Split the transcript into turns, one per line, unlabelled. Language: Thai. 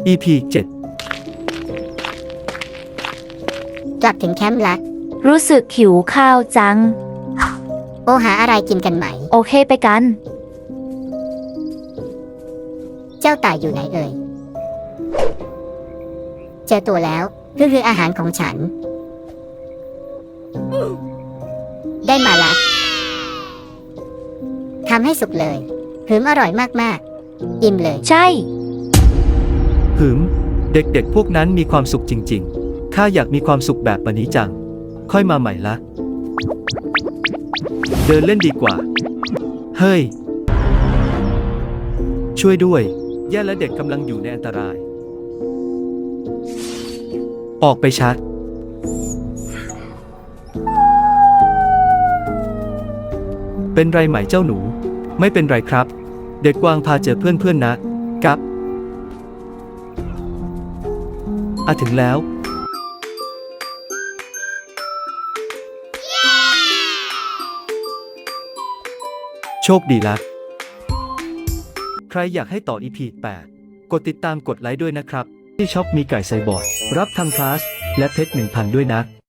EP 7
กลับถึงแคมป์ละ
รู้สึกหิวข้าวจัง
โอหาอะไรกินกันไหม
โอเคไปกัน
เจ้าต่ายอยู่ไหนเอ่ย เจอตัวแล้วคืออาหารของฉัน ได้มาละทำให้สุกเลยหืมอร่อยมากๆอิ่มเลย
ใช่
หืมเด็กๆพวกนั้นมีความสุขจริงๆข้าอยากมีความสุขแบบปนี้จังค่อยมาใหม่ละเดินเล่นดีกว่าเฮ้ยช่วยด้วยแย่และเด็กกำลังอยู่ในอันตราย ออกไปชัดเป็นไรไหมเจ้าหนูไม่เป็นไรครับเด็กกวางพาเจอเพื่อนๆนะกับถึงแล้วโชคดีละใครอยากให้ต่อ EP 8 กดติดตามกดไลค์ด้วยนะครับที่ช็อปมีไก่ไซบอร์ดรับทำคลาสและเพชร 1,000 ด้วยนะ